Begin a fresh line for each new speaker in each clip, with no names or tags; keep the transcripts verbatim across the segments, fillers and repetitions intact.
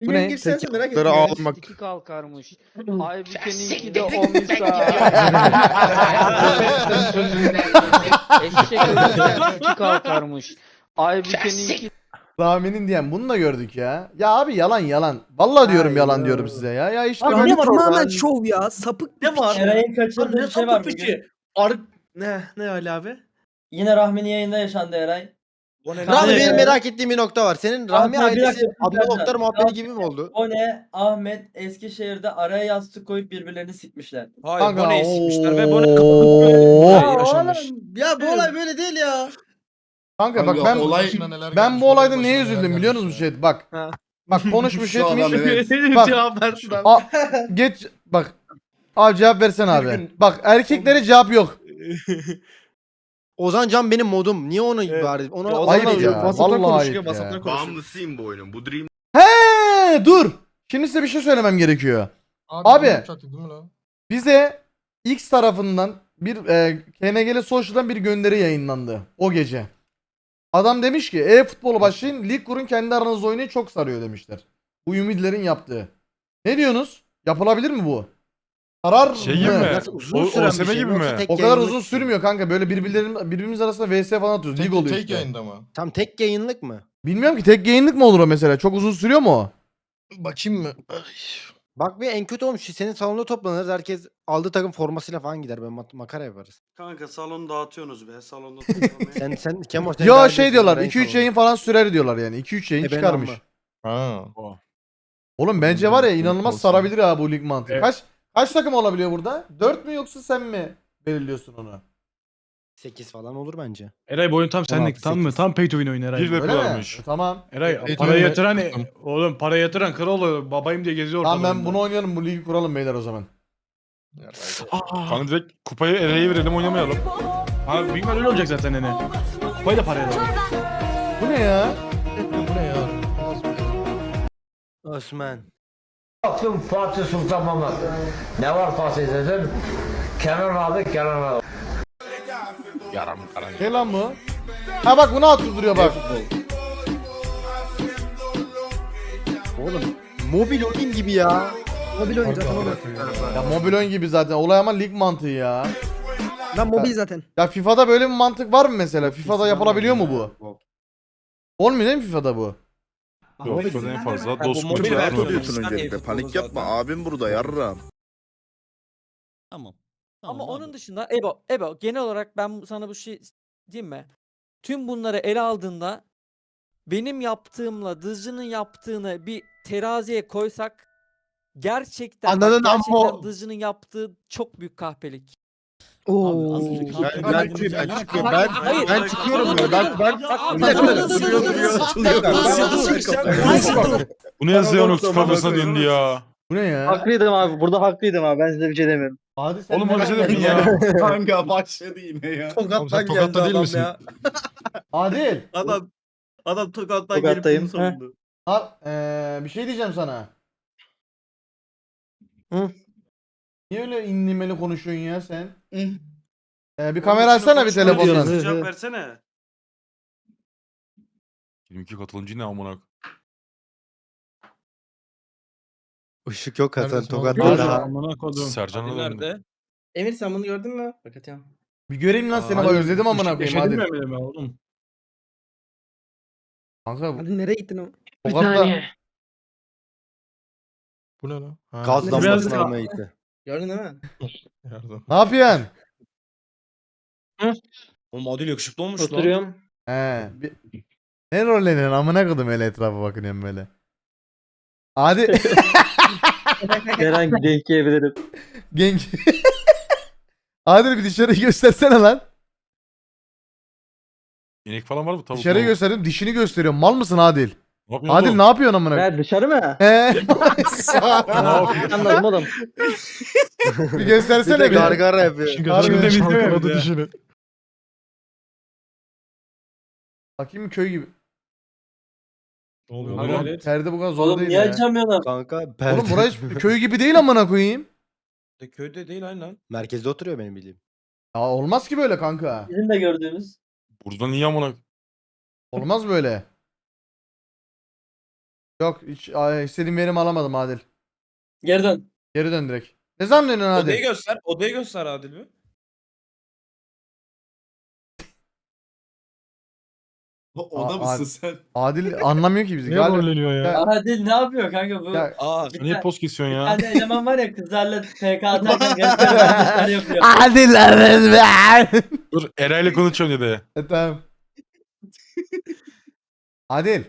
Bu ne?
girsene
Tek
merak
yaptıkları
ettim.
ağlamak.
İki kalkarmış. Aybüke'ninki de o misal. Eşek ölürken iki kalkarmış. Aybüke'ninki
Rami'nin diyen bunu da gördük ya. Ya abi yalan yalan. Vallahi diyorum
Ay
yalan
ya.
diyorum size ya. Ya işte
Abi
böyle
ne var
Tamamen
orada?
şov ya. Sapık bir
Ne var?
piç.
Eray'in
Abi
kaçırdığı
ne
bir şey var
sapık
bugün.
peki? Ar ne ne Ali abi?
Yine Rahmi'nin yayında yaşandı Eray.
O ne?
Rahmi
Evet,
benim
evet.
merak ettiğim bir nokta var. Senin Rahmi
Abi, bir
ailesi
dakika, bir
Adnan
dakika.
Oktar muhabbeti gibi mi oldu?
O ne? Ahmet Eskişehir'de araya yastık koyup birbirlerini sikmişler.
Hayır
Kanka,
Bone'yi sikmişler ve Bone
ooo.
kapatıyor. yaşamış.
Ya bu olay böyle değil ya.
Kanka bak
Kanka,
ben
olay-
ben bu olayda neye üzüldüm biliyor musunuz Chat? Bak.
Ha.
Bak konuşmuş
Şu adam
etmiş.
evet.
Bak.
Cevap versin abi.
A, geç bak. Abi cevap versen
Bir
abi.
gün-
Bak erkeklere cevap yok.
Ozan Can benim modum. Niye onu
Evet.
bari? Ona
Ya,
Ayıp
Ozan'la
ya,
WhatsApp'tan
vallahi
konuşuyor,
ayıp ya.
WhatsApp'tan konuşuyor.
Bağımlısıyım bu oyunun. Bu Dream
He dur. Şimdi size bir şey söylemem gerekiyor. Abi. Bize X tarafından bir e, K N G L Social'dan bir gönderi yayınlandı o gece. Adam demiş ki e-futbolu başlayın, lig kurun, kendi aranızda oynayın, çok sarıyor demişler. Bu ümidlerin yaptığı. Ne diyorsunuz? Yapılabilir mi bu? Sarar
Şey
mı?
gibi mi?
Nasıl uzun
O-
süren bir
OSM
şey
gibi
mi? Yoksa
mi?
tek
O kadar
yayınlık
uzun
mı?
sürmüyor kanka. Böyle birbirlerin birbirimiz arasında V S falan atıyoruz. Lig oluyor
Tek
işte.
yayında mı?
Tam tek yayınlık mı?
Bilmiyorum ki tek yayınlık mı olur o mesela? Çok uzun sürüyor mu o?
Bakayım mı?
Bak bir en kötü olmuş. Senin salonda toplanırız. Herkes aldığı takım formasıyla falan gider. Böyle mak- makara yaparız.
Kanka salonu dağıtıyorsunuz be. Salonda
Sen sen Kemo sen
Yo
daha
şey
biliyorsun,
diyorlar
ben
iki üç
salonu.
yayın falan sürer diyorlar yani. iki üç yayın
E ben
çıkarmış.
amma.
Ha.
Oğlum bence var ya inanılmaz
Olsun.
sarabilir ha bu lig mantığı.
Evet.
Kaç kaç takım olabiliyor burada? dört mü yoksa sen mi belirliyorsun onu?
sekiz falan olur bence.
Eray bu oyun tam senlik,
altı,
tam mı?
sekiz.
Tam pay to win oyun Eray.
Bir ve
Öyle mi?
varmış.
E, tamam.
Eray
Pay to
para
win
yatıran
ve-
oğlum para yatıran kral oluyor. Babayım diye geziyor
Tamam
ortalıkta.
ben bunu oynayalım, bu ligi kuralım beyler o zaman.
Kanka direkt kupayı Eray'e verelim oynamayalım. Abi büyük ihtimalle öyle olacak zaten hani. Kupayı da paraya alalım.
Bu ne ya?
Bu ne ya?
Osman.
Baktım Fatih Sultan Mehmet. Ne var Fatih dedim. Kenan abi Kenan abi.
Yaram karan.
Ne lan bu? Ha bak bunu attırıyor bak.
Oğlum mobil oyun gibi ya.
Mobil oyun zaten oğlum.
Ya mobil oyun gibi zaten. Olay ama lig mantığı ya.
Ben mobil zaten.
Ya FIFA'da böyle bir mantık var mı mesela? FIFA'da yapılabiliyor mu bu? Olmuyor değil mi FIFA'da bu?
Yok şu en fazla
bu
dost
mobil
grubu
versiyonu.
yapma.
Diyorsun öncelikle, panik yapma,
abim burada yarram.
Tamam.
Ama
Tamam
onun
abi.
dışında Ebo, Ebo genel olarak ben sana bu şey diyeyim mi? Tüm bunları ele aldığında benim yaptığımla Dızcı'nın yaptığını bir teraziye koysak gerçekten bak,
Ananın
gerçekten
amma-
Dızcı'nın yaptığı çok büyük kahpelik.
Oo.
Az önce
Ben,
kalktım,
ben,
dedim,
ben,
ya.
çıkıyorum. Ben,
Hayır.
ben çıkıyorum ya. Ben, ben,
Bak,
bir dakika.
bak,
Duruyor, duruyor, açılıyor.
Bu ne Zeonux kafasına döndü ya.
Bu ne ya?
Haklıydım abi. Burada haklıydım abi. Ben size bir şey demiyorum.
Hadi sen
Oğlum
ne
o bize de
yapıyorsun
bin ya.
Kanka başladı yine ya.
Tokat'tan
Tokat'ta
geldi
değil
adam
misin?
ya.
Adil.
Adam adam Tokat'tan
Tokat'tayım.
gelip bunu savundu.
Al, eee, bir şey diyeceğim sana.
Hı?
Niye öyle inlimeli konuşuyorsun ya sen?
Hı.
Ee, bir kamera açsana bir telefondan.
Hı, hı.
Cevap versene.
yirmi iki katılımcı ne amına.
Işık yok Hasan.
Neredesin oğlum?
Tokat'ta
Yok.
daha.
Amına kodum. Sercan'a döndü.
Emir sen bunu gördün mü? Bak atıyorum.
Bir göreyim lan seni bak, özledim amına koyayım
Yaşadın
hadi.
mı Emre'yle oğlum?
Kanka
Hadi nereye gittin o?
Tokat'ta
Bu ne lan? Ha,
Gaz
Biraz
lambasını
daha-
almaya gitti.
Gördün değil mi?
yardım.
ne yapıyorsun?
Oğlum Adil yakışıklı olmuş lan.
Oturuyorum.
He. Bir... Ne rolleniyorsun amına koydum öyle etrafa bakınıyorum böyle. Hadi
Herhangi denk yiyebilirim.
genç. Adil bir dışarıyı göstersene lan.
İnek falan var mı? Tavuk.
Dışarıyı
tavuk.
gösterdim, dişini gösteriyorum. Mal mısın Adil?
Ne yapıyorsun
Adil
oğlum?
ne yapıyorsun amına koyayım?
Ne dışarı mı?
He.
Ne yapıyorsun?
Anladım oğlum.
Bir
Bir de
göstersene bir.
gargara yapıyor.
Harbi.
Şimdi temizleme
Çalkaladı
bir de.
dişini.
Bakayım köy gibi.
Ne oluyor
Oğlum,
lan?
Oğlum perde bu kadar zor
Oğlum
değil
niye
ya.
açamıyorsun?
Kanka
Oğlum
perde.
burası hiç köy gibi değil amına koyayım.
Köyde değil aynı lan.
Merkezde oturuyor benim bildiğim.
Ya olmaz ki böyle kanka.
Bizim de gördüğümüz.
Burada niye amına?
Olmaz böyle. Yok hiç ay, istediğim verimi alamadım Adil.
Geri dön.
Geri dön direkt. Ne zaman dönüyorsun
Odayı
Adil?
göster. Odayı göster Adil bir.
O da
Aa,
mısın
abi.
sen?
Adil anlamıyor ki bizi.
Niye
Galiba.
rolleniyor ya?
Ya-
Adil ne yapıyor kanka bu?
Ya-
Aa.
Bir
Niye
tane-
post kesiyorsun
Bir
ya?
tane eleman var ya kızlarla P K atarken resmen hareketler yapıyor.
Adil evet.
Dur Eray'la konuşuyorum dedi.
E, tamam. Adil.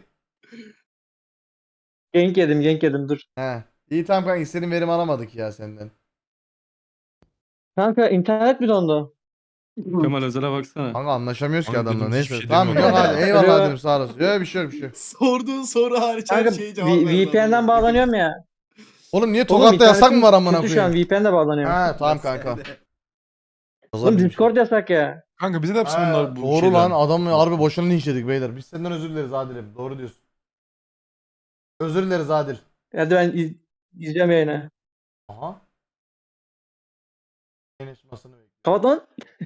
Genk yedim genk yedim dur.
He. İyi tamam kanka istediğim verimi alamadık ya senden.
Kanka internet mi dondu?
Kemal Özel'e baksana.
Kanka anlaşamıyoruz ki
Kanka
adamla.
dedim, hiçbir
Neyse.
şey
Tamam yok
demiyorum.
hadi eyvallah
Alo.
dedim sağ olasın. Yok bir şey yok bir şey yok.
Sorduğun soru hariç her
Kanka
şeye cevap
V-
verdin
VPN'den
adamın.
bağlanıyorum ya.
Oğlum niye
Oğlum,
Tokat'ta yasak mı
internetim
var amına
kötü şu an
koyayım?
V P'nle bağlanıyorum.
Ha tamam kanka.
Oğlum Discord yasak ya.
Kanka bize de yapsın
Ha,
bunlar bu
doğru
şeyler.
lan adamı harbi boşuna linçledik beyler. Biz senden özür dileriz Adil'im. Doğru diyorsun. Özür dileriz Adil.
Hadi ben iz- izleyeceğim yayını.
Aha. Yayınlaşmasını bekliyorum.
Kapat lan.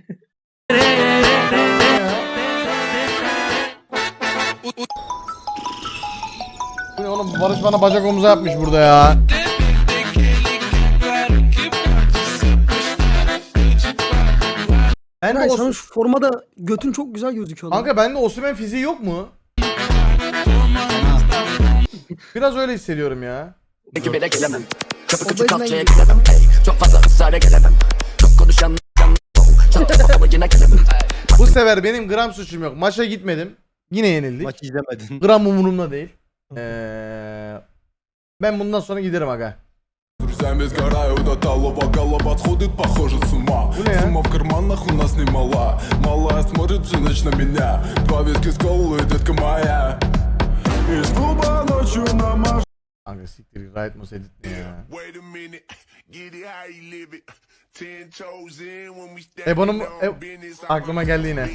Bu ne oğlum Barış bana bacak omuza yapmış burada ya. Ben de
Eray
Os-
sana şu formada götün çok güzel gözüküyor lan.
Kanka bende Osimhen fiziği yok mu? Biraz öyle hissediyorum ya.
Obezden gidiyor.
Bu sefer benim gram suçum yok. Maça gitmedim. Yine yenildik.
Maç izlemedin.
Gram umurumda değil. Ee, ben bundan sonra giderim aga.
Друзьями сгораю до талого, голова сходит, похоже, с ума.
Бля.
Сумма в карманах у нас немала. Малая смотрит всю ночь на меня. Два виски с колой, детка моя. Из клуба ночью на маш...
Kanka siktir git, Riot Mouse edit ne ya?
Wait a minute, get it how you live it. Ten toes in when we step
Ebo'nun
in
e,
on business.
aklıma geldi yine.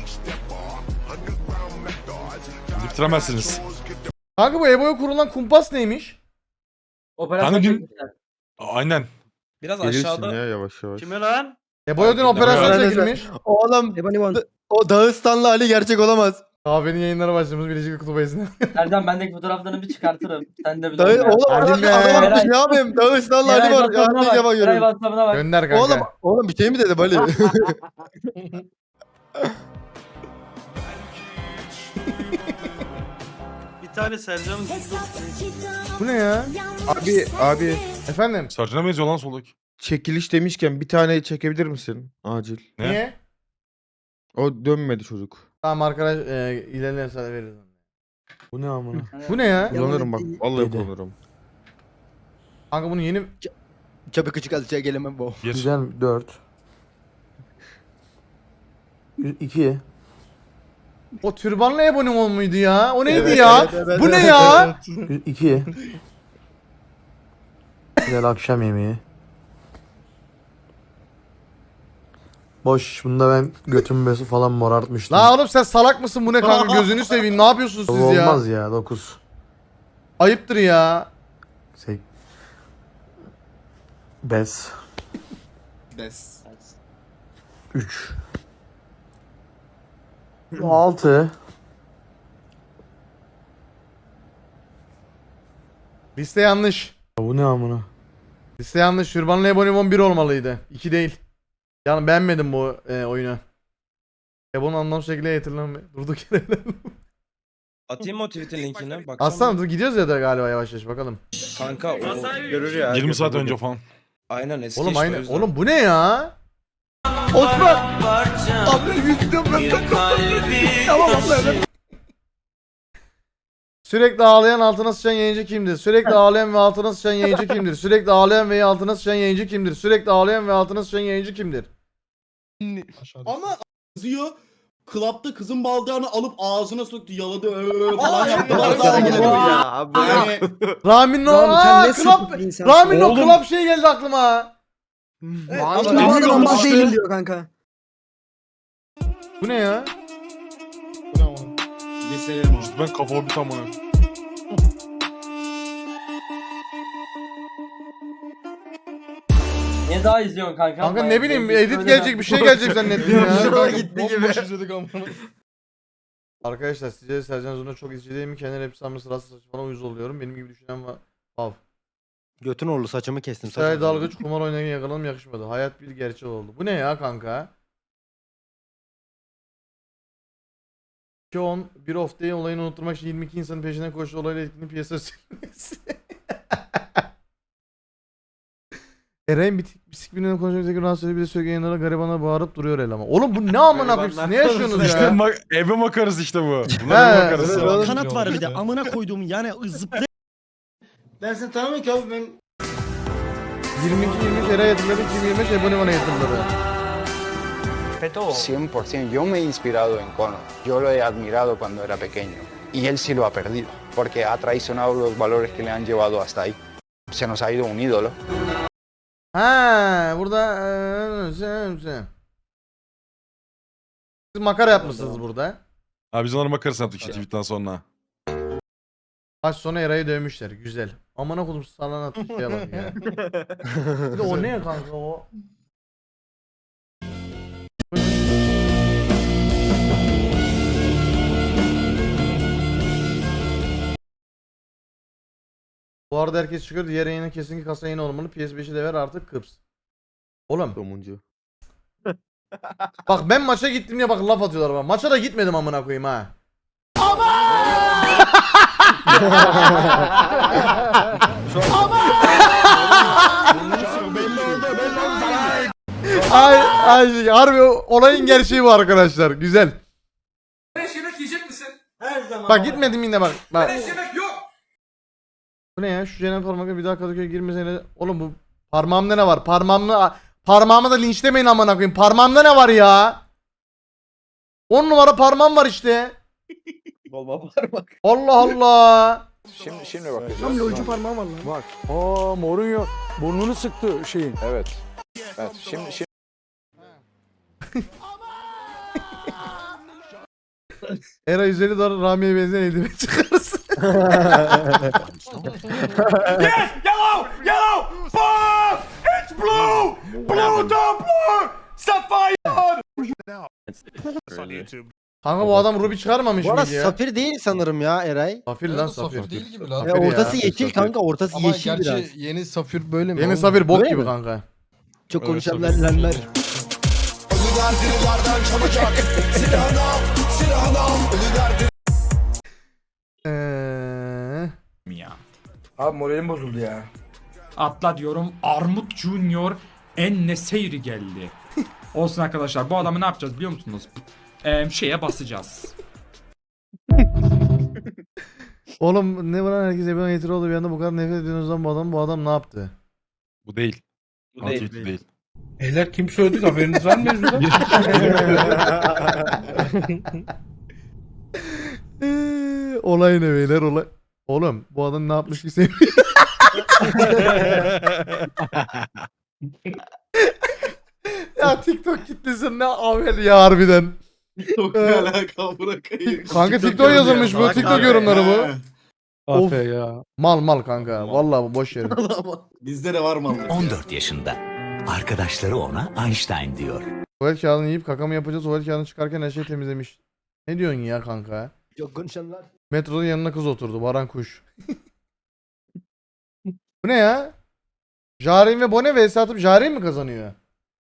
Bitiremezsiniz.
Kanka bu Ebo'ya kurulan kumpas neymiş?
Operasyon
Kanka dün-
çekmişler.
Aynen.
Biraz aşağıda.
yavaş yavaş.
Kime lan?
Ebo'ya dün
Fark ettim.
operasyon
Evet.
çekilmiş.
Oğlum
Ebony One.
o Dağıstanlı Ali gerçek olamaz.
Kahvenin yayınlara başlamış Birleşik Kutup Ayısı'na.
Erdem bendeki fotoğraflarını bir çıkartırım. Sen de bir
Dağı, oğlum
Hadi
adam,
be.
adam
Eray-
ne yapayım? Dağıstanlı Ali
Eray
var.
WhatsApp'ına
Ya,
bak.
defa
Eray
görüyorum.
WhatsApp'ına bak.
Gönder kanka.
Oğlum, oğlum bir şey mi dedim Ali?
Bir tane Sercan'ın
Bu ne ya?
Abi abi
Efendim?
Sarcına benziyor lan soldaki.
çekiliş demişken bir tane çekebilir misin? Acil.
Ne?
Niye?
O dönmedi çocuk.
Tamam arkadaş e, ilerleyen sana veririz.
Bu ne amına?
Bu ne ya?
Kullanırım bak. Vallahi
Yedi.
kullanırım.
Kanka bunu yeni...
Çabuk küçük alçıya gelemem bu.
Bir.
dört. iki.
O türbanlı Ebo'nun o muydu ya? O neydi
Evet,
ya?
evet, evet,
Bu ne
evet,
ya?
iki. Güzel akşam yemeği. Boş. Bunda ben götümü besi falan morartmıştım.
La oğlum sen salak mısın bu ne kanka gözünü seveyim ne yapıyorsunuz siz ya?
Olmaz ya dokuz.
Ayıptır ya.
Sek. Bes.
Des.
üç. altı.
Liste yanlış.
Bu ne amına?
Liste yanlış. Türbanlı Ebony on bir olmalıydı. iki değil. Yani beğenmedim bu e, oyunu. Ebon'un anlamsız şekilde hatırlamıyor. Durduk yere.
Atayım mı o tweet'in linkini? Baksana.
Aslan dur gidiyoruz ya da galiba yavaş yavaş bakalım.
Kanka o görür ya.
yirmi saat önce falan.
Aynen eski
Oğlum
işte, o
aynı.
yüzden.
Oğlum bu ne ya?
Osman. Abi yüzüm ben.
Sürekli ağlayan altına sıçan yayıncı kimdir? Sürekli ağlayan ve altına sıçan yayıncı kimdir? Sürekli ağlayan ve altına sıçan yayıncı kimdir? Sürekli ağlayan ve altına sıçan yayıncı kimdir?
Ama yazıyor. Klapta kızın baldağını alıp ağzına soktu, yaladı öyle falan yaptı. Yani
Ramin o
Oğlum sen
aa,
ne
klap.
sıkıntı bir insansın.
Ramin o
Oğlum.
klap şey geldi aklıma.
Ama
ama
bu adam ambaz
işte-
değilim diyor kanka.
Bu ne ya?
Liselerim abi.
Ben kafama bir tam onu.
Niye daha izliyorsun kanka?
Kanka
Bayağı
ne bileyim
zevkli
edit
söyleme.
gelecek bir şey gelecek zannettim ya.
Şuraya gitti gibi.
izledik ama.
Arkadaşlar sizce de Sercan Zor'un çok izci değil mi? Kendi hepsi hamle sırası saçmalama uyuz oluyorum. Benim gibi düşünen var. Av.
Götün oğlu saçımı kestim.
İsrail
saçma.
dalgıç kumar oynarken yakalanım yakışmadı. Hayat bir gerçek oldu. Bu ne ya kanka? iki on bir off day olayını unutturmak için yirmi iki insanın peşinden koştu olayla etkinin piyasa sürmesi. Eren bitik bisikliğinden konuşmak üzere rahatsız ediyor. Bir de sürekli yayınlara garibana bağırıp duruyor eleman. Oğlum bu ne amına koyayım siz ne yaşıyorsunuz
İşte
ya?
mak- eve makarası işte bu.
He.
Bunlar eve makarası.
Evet, evet.
Kanat var bir de amına koyduğum yani zıplay.
Ben seni tanımıyorum ki abi ben.
yirmi iki yirmi üç Eren'e yatırladı. iki bin yirmi beş Ebonima'na yatırladı.
cien por ciento. Yo me he inspirado en Conor. Yo lo he admirado cuando era pequeño. Y él sí lo ha perdido. Porque ha traicionado los valores que le han llevado hasta ahí. Se nos ha ido un ídolo.
Ha, burada eee, sen- sen. Siz makara yapmışsınız burada.
Abi biz onları makarası yaptık işte tweetten sonra.
Maç sonu Eray'ı dövmüşler. Güzel. Amına kodum salan atmış şeye bak ya. Bir de o ne kanka o? Bu arada herkes çıkıyor. Diğer yayına kesinlikle kasa yayını olmalı. P S beşi de ver artık kıps. Oğlum.
Somuncu.
Bak ben maça gittim diye bak laf atıyorlar bana. Maça da gitmedim amına koyayım ha. Ay ay harbi olayın gerçeği bu arkadaşlar. Güzel.
Yemek yiyecek misin?
Her zaman.
Bak gitmedim yine bak. Bak.
Yemek yok.
Bu ne ya? Şu Cenab parmakla bir daha Kadıköy'e girmesene. Oğlum bu parmağımda ne var? Parmağımda parmağıma da linçlemeyin amına koyayım. Parmağımda ne var ya? on numara parmağım var işte.
Olma parmak.
Allah Allah.
Şimdi, şimdi bakacağız.
Tam lolcu parmağım var lan.
Bak. Aa Mourinho burnunu sıktı şeyin.
Evet. Evet. Şimdi, şimdi...
Era yüz elli dolar Rami'ye benzeyen eldiven çıkarsın.
Yes! Yellow! Yellow! Fuck! It's blue! Blue the blue! Sapphire!
Kanka bu adam Ruby çıkarmamış
Bu arada
mıydı ya?
safir değil sanırım ya Eray.
Safir lan safir.
değil gibi lan.
Ya
Safir
ortası
ya.
yeşil kanka ortası
Ama
yeşil
gerçi
biraz.
yeni safir böyle mi?
Yeni
oğlum?
safir bok
Öyle
gibi
mi?
kanka.
Çok konuşanlar lenler.
Eee...
Abi moralim bozuldu ya.
Atla diyorum. Armut Junior Enneseyri geldi. Olsun arkadaşlar. Bu adamı ne yapacağız biliyor musunuz? Ee, şeye basacağız.
Oğlum ne var lan herkes Ebon'a getiri oldu bir anda bu kadar nefret ediyorsunuz bu adam bu adam ne yaptı?
Bu değil.
Bu
Değil.
değil.
Değil. değil.
Beyler kim söyledi haberiniz var mı mevzuda?
Eee, olay ne beyler olay. Oğlum bu adam ne yapmış ki sevmiyor. Ya TikTok kitlesi ne avel ya harbiden.
Çok ne alakalı bırakayım.
Kanka TikTok yazılmış bu TikTok yorumları bu. Of.
Afe ya.
Mal mal kanka vallahi bu boş yerin.
Bizde de var mı?
on dört yaşında. Arkadaşları ona Einstein diyor.
Tuvalet kağıdını yiyip kaka mı yapacağız tuvalet kağıdını çıkarken her şeyi temizlemiş. Ne diyorsun ya kanka?
Çok konuşanlar.
Metroda yanına kız oturdu Baran Kuş. Bu ne ya? Jaren ve Bone vs atıp Jaren mi kazanıyor?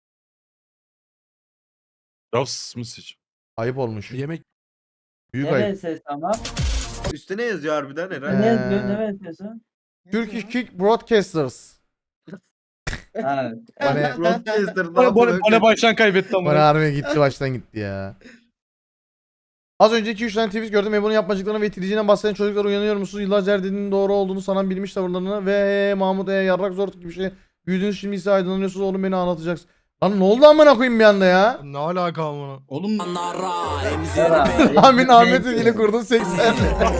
Ross Misic.
Ayıp olmuş.
Yemek
Büyük
Ne
ayıp.
ses ama?
Üstte ne yazıyor harbiden Eray?
Ee,
Ne yazıyor? Ne yazıyorsun?
Turkish Kick Broadcasters.
Ha.
Bone,
Broadcaster'dan
Bana, bana, bana baştan kaybetti
Bone
ama.
harbi gitti baştan gitti ya. Az önce iki üç tane tweet gördüm. Ebon'un yapmacıklarına ve itiliciğinden bahseden çocuklar uyanıyor musunuz? Yıllarca her dediğinin doğru olduğunu sanan bilmiş tavırlarını ve Mahmut E. yarrak zor gibi bir şey. Büyüdünüz şimdi ise aydınlanıyorsunuz oğlum beni anlatacaksın. Lan ne oldu amına koyayım bir anda ya?
Ne alaka amına?
Oğlum
Amin Ahmet'in ile kurdun seksen.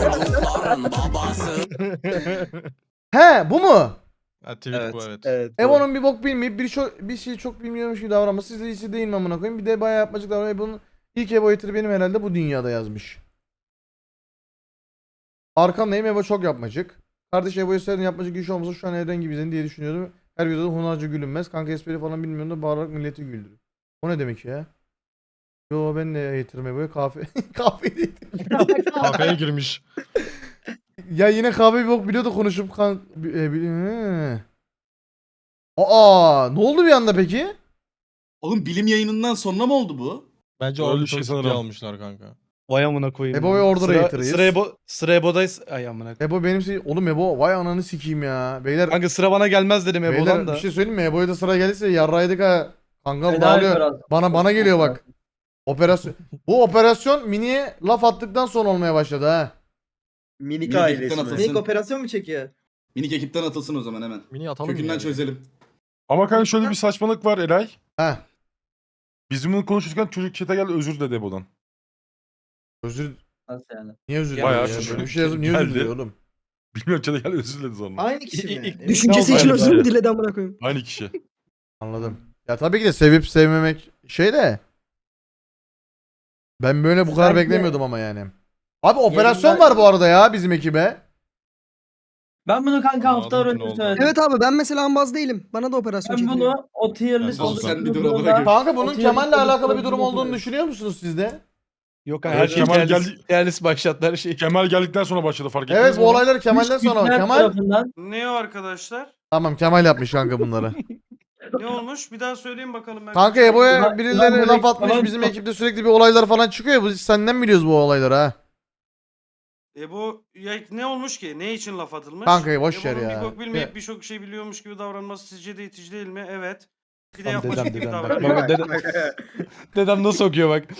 He bu mu?
Ha tweet
evet.
bu evet.
Evet.
Ebon'un bir bok bilmeyip bir, çok, bir şey çok bilmiyormuş gibi davranması siz de iyisi değil mi amına koyayım? Bir de bayağı yapmacık davranıyor. Ebon'un ilk Ebo yetiri benim herhalde bu dünyada yazmış. Arkandayım Ebo çok yapmacık. Kardeş Ebo'ya söyledin yapmacık iş olmasa şu an Eren gibi izledin diye düşünüyordum. Her videoda hunharca gülünmez. Kanka espri falan bilmiyorum da bağırarak milleti güldürür. O ne demek ya? Yo ben de getirdim Ebo'ya kahve. kahve değil.
Kafeye girmiş.
Ya yine kahve bir bok biliyordu konuşup kan... E, bi- he. Aa, ne oldu bir anda peki?
Oğlum bilim yayınından sonra mı oldu bu?
Bence
Öyle
orada
bir
şey
şey
sanırım.
sanırım.
almışlar kanka.
Vay amına koyayım.
Ebo'yu orada
Sıra-
getiririz.
Sıra Ebo, sıra Ebo'dayız. Ay amına koyayım.
Ebo benim şey... Oğlum Ebo vay ananı sikeyim ya. Beyler,
Kanka sıra bana gelmez dedim
beyler
Ebo'dan da.
bir şey söyleyeyim mi? Ebo'ya da sıra gelirse yarraydık ha. Kanka
Fena
bağlıyor.
operasyon.
Bana bana geliyor bak. Operasyon. Bu operasyon Mini'ye laf attıktan sonra olmaya başladı ha.
Minik
Minik
ailesi
ekipten
mi?
atılsın.
operasyon mu çekiyor?
Minik ekipten atılsın o zaman hemen.
Mini atalım
Kökünden
yani.
çözelim.
Ama kanka şöyle bir saçmalık var Eray.
Ha.
Biz bunu konuşurken çocuk chat'e geldi özür dedi Ebo'dan.
Özür...
Nasıl yani?
Niye özür
Bayağı
diliyor ya?
şaşırdım.
Böyle bir şey yazıp niye özür
Geldi.
diliyor oğlum?
Bilmiyorum chat'e geldi özür diledi sonra.
Aynı kişi mi?
Düşüncesi için özür mü
diledi amına koyayım?
Aynı kişi.
Anladım. Ya tabii ki de sevip sevmemek şey de. Ben böyle bu kadar
Belki de-
beklemiyordum ama yani. Abi operasyon
Yayınlar-
var bu arada ya bizim ekibe.
Ben bunu kanka
Anladım
haftalar
ki ne
önce
oldu.
söyledim.
Evet abi ben mesela ambaz değilim. Bana da operasyon
Ben bunu o tier list
Oğlum sen bir dur
oluşturduğumda-
amına koyayım.
Kanka bunun
O tier
Kemal'le
list
alakalı bir durum
oluşturduğumda-
olduğunu düşünüyor musunuz siz de?
Yok
Evet,
her şey
Kemal
Kemal
geldi-
geldi. başlattılar şey.
Kemal geldikten sonra başladı fark ettiniz
Evet
mi?
bu olaylar Kemal'den
Üç
sonra.
güçler
Kemal
tarafından
Ne o arkadaşlar?
tamam Kemal yapmış kanka bunları.
Ne olmuş? Bir daha söyleyin bakalım. Ben
Kanka Ebo'ya
Ulan-
birileri
ulan
laf
böyle
atmış
falan
bizim
çok-
ekipte sürekli bir olaylar falan çıkıyor ya. Biz senden biliyoruz bu olayları ha.
Ebo ya ne olmuş ki? Ne için laf atılmış?
Kanka boş ver
Ebo'nun
ya.
bir bok bilmeyip
Ya.
birçok şey biliyormuş gibi davranması sizce de itici değil mi? Evet. Bir de
Tamam,
yapmacık
dedem,
gibi
dedem,
davranıyor.
Bak dedem, dedem nasıl okuyor bak.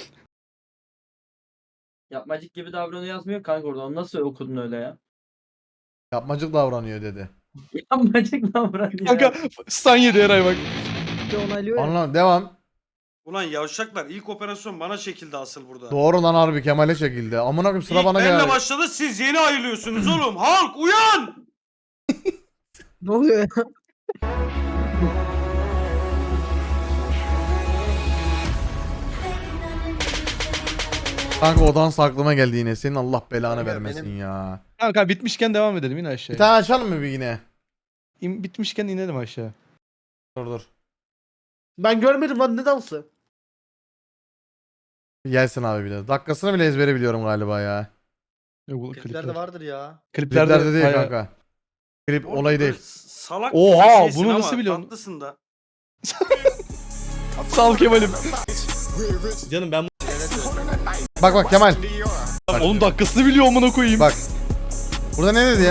yapmacık gibi davranıyor yazmıyor kanka orada. Onu nasıl okudun öyle ya?
Yapmacık davranıyor dedi.
Yapmacık davranıyor.
Kanka stan yedi Eray bak.
Anlam devam.
Ulan yavşaklar ilk operasyon bana çekildi asıl burada.
Doğru lan harbi Kemal'e çekildi. Amına koyayım sıra
İlk
bana
benle
geldi.
başladı siz yeni ayrılıyorsunuz oğlum. Halk uyan!
Ne oluyor ya?
Kanka o dans aklıma geldi yine. Senin Allah belanı
Kanka,
vermesin
benim-
ya.
Kanka bitmişken devam edelim yine
Bir
aşağıya.
tane açalım mı bir yine?
İn- bitmişken inelim aşağı.
Dur dur.
Ben görmedim lan ne dansı?
Gelsin abi bir de. Dakikasını bile ezbere biliyorum galiba ya.
Yok, bu
Kliplerde
klipler.
vardır ya.
Kliplerde,
Kliplerde değil
bayağı-
kanka. Klip
Oğlum
olayı
böyle
değil.
Salak
Oha,
bir şeysin
bunu
ama
nasıl biliyorsun?
tatlısın da.
Sağ ol Kemal'im.
Canım ben
Bak bak Kemal.
Oğlum dakikasını biliyor amına koyayım.
Bak. Burada ne dedi ya?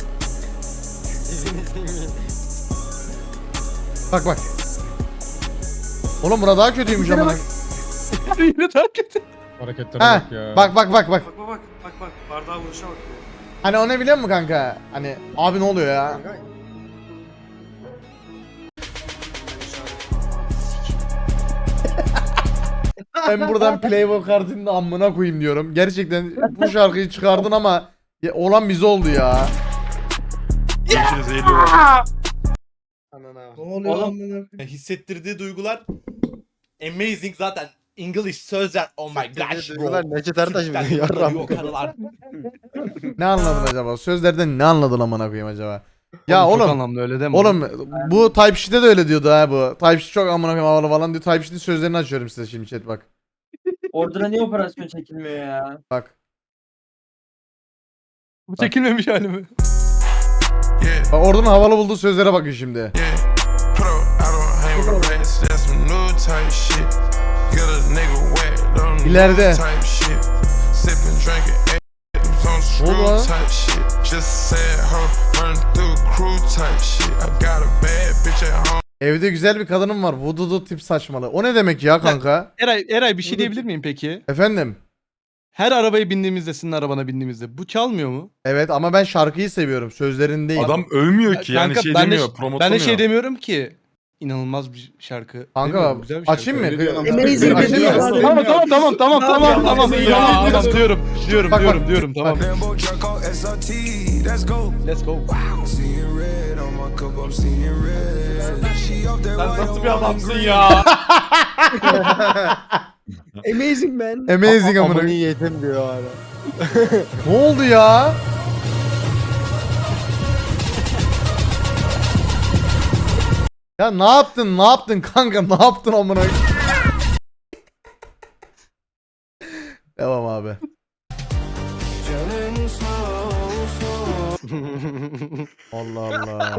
Bak bak. Oğlum burada daha kötüymüş ama.
Yine terk etti.
hareketlere
Ha,
bak ya.
bak bak bak bak.
Bak bak bak bak bak bardağa vuruşa bak. ya.
Hani o ne biliyor musun kanka? Hani abi ne oluyor ya? Ben buradan Playboy kartını da amına koyayım diyorum. Gerçekten bu şarkıyı çıkardın ama ya, olan bize oldu ya.
İkiniz eğiliyorlar.
Ne oluyor
Oğlum.
lan?
Hissettirdiği duygular amazing zaten. English sözler oh my gosh bro.
Duygular Necdet Ertaş mı?
Cidden
Yarram.
yok karılar.
Ne anladın acaba? Sözlerden ne anladın amına koyayım acaba? Ya
Çok
oğlum,
anlamlı öyle deme.
oğlum bu Type-Sheet'te de öyle diyordu ha bu. Type-Sheet çok amına koyayım havalı falan diyor. Type-Sheet'in sözlerini açıyorum size şimdi chat bak.
Orada niye operasyon çekilmiyor ya?
Bak.
Bu çekilmemiş hali mi?
Bak oradan havalı bulduğu sözlere bakın şimdi. İleride. Ne oldu lan? Evde güzel bir kadınım var. Vududu tip saçmalı. O ne demek ya kanka?
Eray, Eray bir şey diyebilir miyim peki?
Efendim?
Her arabaya bindiğimizde, senin arabana bindiğimizde bu çalmıyor mu?
Evet ama ben şarkıyı seviyorum. Sözlerini değil.
Adam övmüyor ki yani
Kanka,
şey
ben de-
demiyor,
Ben
promotlamıyor.
de şey demiyorum ki. İnanılmaz bir şarkı.
Kanka
Demiyorum, güzel bir şarkı.
açayım mı?
Amazing
Açayım
bir
mı?
şey.
Tamam tamam tamam tamam tamam tamam
ya.
tamam tamam diyorum diyorum
Bak, bak.
diyorum diyorum tamam. Let's go.
Sen nasıl bir adamsın ya?
Amazing man.
Amazing amına.
Amını
koyayım.
yedim diyor hala.
Ne oldu ya? Ya ne yaptın? Ne yaptın kanka? Ne yaptın amına? koyayım? abi. Allah Allah.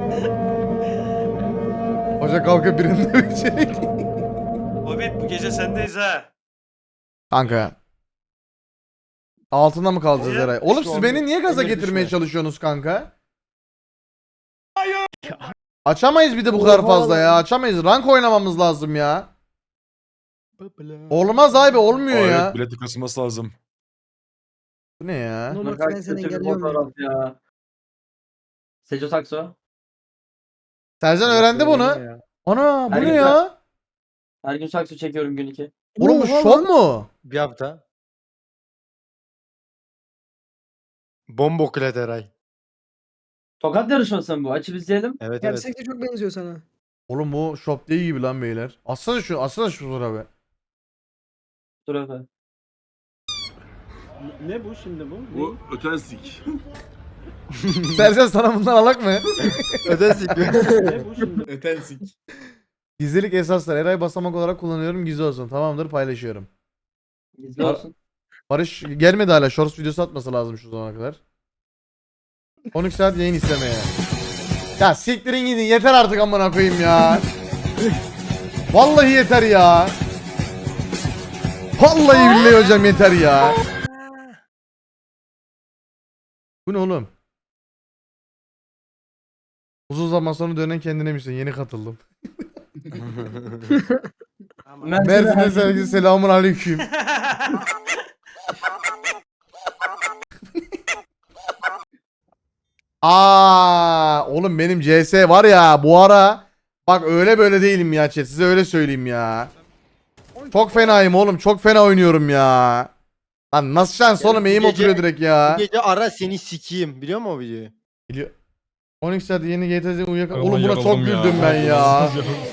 Hoca kalkıp birini dövecek.
Hobbit bu gece sendeyiz ha.
Kanka. Altında mı kalacağız
Niye?
Eray? Oğlum siz
Şu
beni
an
niye gaza
Emir
getirmeye
düşme.
çalışıyorsunuz kanka? Açamayız bir de bu kadar fazla ya. Açamayız. Rank oynamamız lazım ya. Olmaz abi, olmuyor ya.
Evet, bileti kasılması lazım.
Bu ne ya?
Nur
Bak
bak ben seni
kötü bir
engelliyorum ya.
fotoğraf ya. Seco Sakso.
Sercan öğrendi bunu. Ana bu
Her
ne
gün-
ya?
Her gün sakso çekiyorum gün iki.
Oğlum bu
Oha
şov
lan.
mu?
Bir hafta. Bomboklet Eray.
Tokat yarışması mı bu? Açıp izleyelim.
Evet evet.
Gerçekten çok benziyor sana.
Oğlum bu shop değil gibi lan beyler. Atsana şu, atsana şu fotoğrafı.
Dur efendim.
Ne bu şimdi bu?
Bu ötensik.
Sercan sana bundan alak mı?
Ödesin.
Ne bu şimdi?
Ötensik.
Gizlilik esaslar. Eray basamak olarak kullanıyorum. Gizli olsun. Tamamdır, paylaşıyorum.
İzle
Ar-
olsun.
Barış gelmedi hala. Shorts videosu atması lazım şu zamana kadar. on iki saat yayın istemeye. Ya siktirin gidin. Yeter artık amına koyayım ya. Vallahi yeter ya. Vallahi billahi hocam yeter ya. Bu ne oğlum? Uzun zaman sonra dönen kendine misin? Yeni katıldım. Mersin'e sevgili selamun aleyküm. Aa, oğlum benim C S var ya bu ara. Bak öyle böyle değilim ya chat. Size öyle söyleyeyim ya. Çok fenayım oğlum. Çok fena oynuyorum ya. Lan nasıl şans oğlum, eğim
gece-
oturuyor direkt ya.
Bu gece ara seni sikeyim. Biliyor musun o videoyu?
Biliyor. on iki saat yeni G T A uyuyak.
Ay,
Oğlum
ulan
buna çok
yaralım ya.
güldüm ben ya.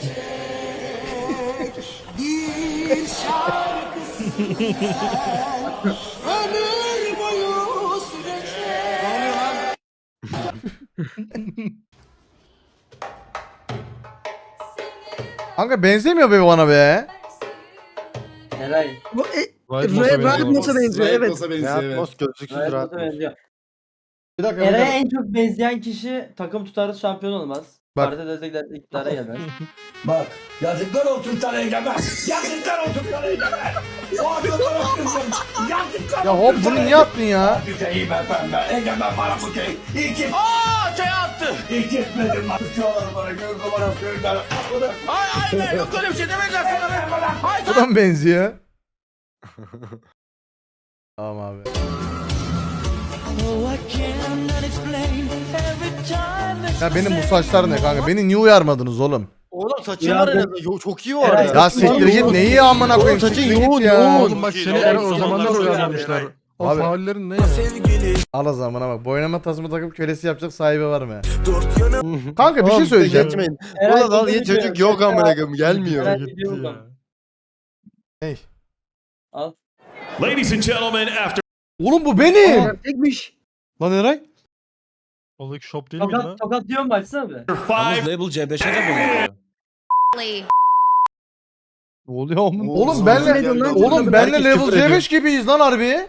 Kanka benzemiyor be bana be.
Eray.
Bu e,
Riot
Riot
Moss'a
Moss'a benziyor evet.
Nasıl benziyor
Rahat
evet.
Mos gözlüksüz
Riot
rahat.
Moss'a benziyor.
Bir dakika. bir
Eray'a
dakika.
en çok benzeyen kişi takım tutarız şampiyon olmaz.
Bak.
Parti destekler iktidara gelmez.
Bak yazıklar olsun sana Egemen. Yazıklar olsun sana Egemen. O adamı kızım. Yazıklar
Ya hop bunu niye attın ya?
Şeyi ben pembe. Egemen bana bu şey. İlk Aaa şey attı. İlk etmedim lan. Çoğaları bana göz numara söylediler. Ay ay yok öyle bir şey demediler sana. Hayır.
Bu da mı benziyor? Tamam abi. Ya benim bu saçlar ne kanka? Beni niye uyarmadınız oğlum?
Oğlum saçın
Ya
var
ben-
en azından. Yo, çok iyi o
Eray,
arada.
Ya siktir git, neyi amına koyayım,
Saçın
siktir git
yoğun,
ya.
yoğun.
Oğlum bak seni Eray o zamanlar uyarlamışlar. O
Abi-
faullerin ne ya?
Al o zamana bak. Boynama tasma takıp kölesi yapacak sahibi var mı? Kanka bir şey
Oğlum,
söyleyeceğim.
geçmeyin.
Eray,
Ulan al
çok
yeni
üzülüyorum.
çocuk yok amına koyayım gelmiyor.
Eray
Gitti
gidiyor
ya.
buradan.
Hey.
Al.
Ladies and gentlemen, after
Oğlum bu benim.
Gerçekmiş.
Lan Eray. Oğlum shop değil miydi lan?
Tokat, tokat diyor mu açsana be.
five,
Label C beşe de bunu. Ne oluyor oğlum?
Oğlum
Ne
benle
diyorsun lan?
Oğlum benle
Herkes
level
küfür
C
ediyor.
beş gibiyiz lan harbi.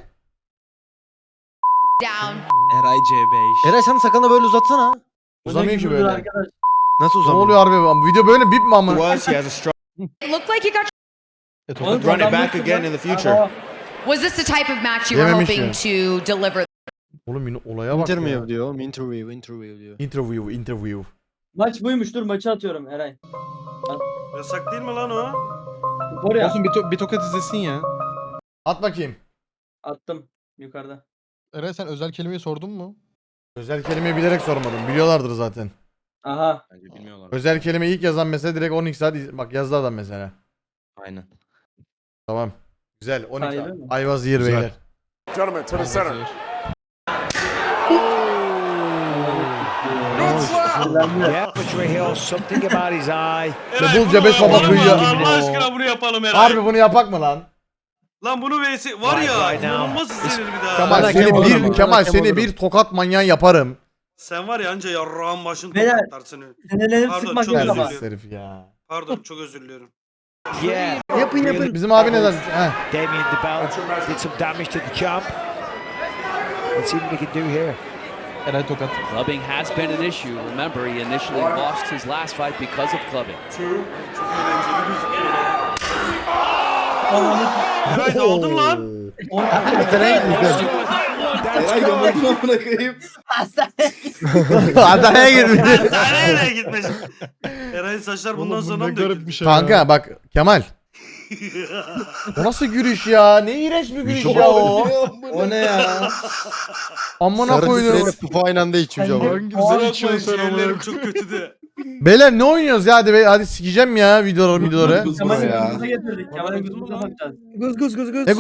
Eray C beş.
Eray sen sakalını böyle uzatsana.
Uzamıyor ki
Küfürdür
böyle.
arkadaş.
Nasıl
Ne
uzamıyor?
oluyor harbi? Video böyle bip mi ama?
was he has a strong
Looked like you got.
E,
Oğlum,
tokat-
run it
adam
back
yok
again
lan.
in the future.
Aa,
Was this the type of match you were
Yememiş
hoping
ya.
to deliver?
Oğlum yine olaya bak ya.
Interview diyor oğlum. Interview, interview diyor.
Interview, interview.
Maç buymuş, dur maçı atıyorum Eray.
Yasak değil mi lan o?
Oraya
Olsun bir, to- bir tokat izlesin ya.
At bakayım.
attım yukarıda.
Eray sen özel kelimeyi sordun mu?
Özel kelimeyi bilerek sormadım. Biliyorlardır zaten.
Aha.
Bence bilmiyorlar.
Özel kelime ilk yazan mesela direkt on iki saat iz- bak yazdı adam mesela.
Aynen.
Tamam. Güzel. on iki
Sahibi mi?
I was here
Güzel.
beyler.
Gentlemen to the center.
Yeah, put your heel, something about his eye.
Ya bul Cebes baba
yapalım
kıyıya.
mı? Allah aşkına bunu yapalım Eray.
Harbi bunu yapak mı lan?
Lan bunu vs var ya.
Right now.
İnanılmaz izlenir bir daha.
Kemal
Bana
seni
kem
bir
olurum,
Kemal
bana kem
seni
olurum.
bir tokat manyağı yaparım.
Sen var ya anca yarrağın başını
Beyler.
tokatlarsın.
Senelenip
Pardon,
sıkmak
çok
yok
özür
ama.
dilerim.
Terbiyesiz herif ya.
Pardon çok özür diliyorum.
Yeah.
Hep yapın yapın.
Bizim abi neden? Heh.
Damien DeBell did some damage to the champ. Let's see what we can do here.
Eray tokat.
Clubbing has been an issue. Remember, he initially lost his last fight because of clubbing.
Eray ne aldın lan?
Eray yamultma bırakayım.
Adana'ya girmiş.
Nereye gitmiş? Eray'ın saçlar bundan sonra mı döküldü?
şey
Kanka bak Kemal. O nasıl gülüş ya? Ne iğrenç bir gülüş ya o.
O ne ya?
Amına
Sarı
koydum.
titreyle pufu aynı anda içmiş ama.
Hangi güzel içiyorsun sen
Ciğerlerim
amına.
çok kötü de.
Beyler ne oynuyoruz ya? Hadi be, hadi sikeceğim ya videoları videoları.
Kemal'in kızımıza getirdik. Kemal'in kızımıza bakacağız.
Guz guz guz guz.
Ne